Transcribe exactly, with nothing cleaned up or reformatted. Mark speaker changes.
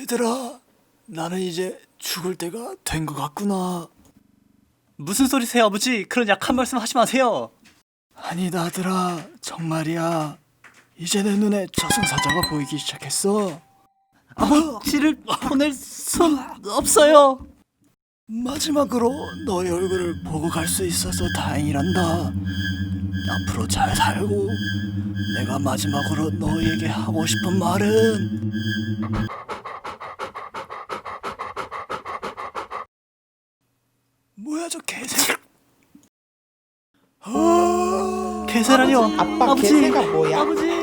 Speaker 1: 얘들아, 나는 이제 죽을 때가 된 것 같구나.
Speaker 2: 무슨 소리세요, 아버지? 그런 약한 말씀 하지 마세요.
Speaker 1: 아니 나들아, 정말이야. 이제 내 눈에 저승사자가 보이기 시작했어.
Speaker 2: 아버지를 보낼 순 없어요.
Speaker 1: 마지막으로 너의 얼굴을 보고 갈 수 있어서 다행이란다. 앞으로 잘 살고, 내가 마지막으로 너에게 하고 싶은 말은 뭐야 저 개새. 아,
Speaker 2: 개새라뇨.
Speaker 3: 아빠
Speaker 2: 아버지,
Speaker 3: 개새가 뭐야?
Speaker 2: 아버지.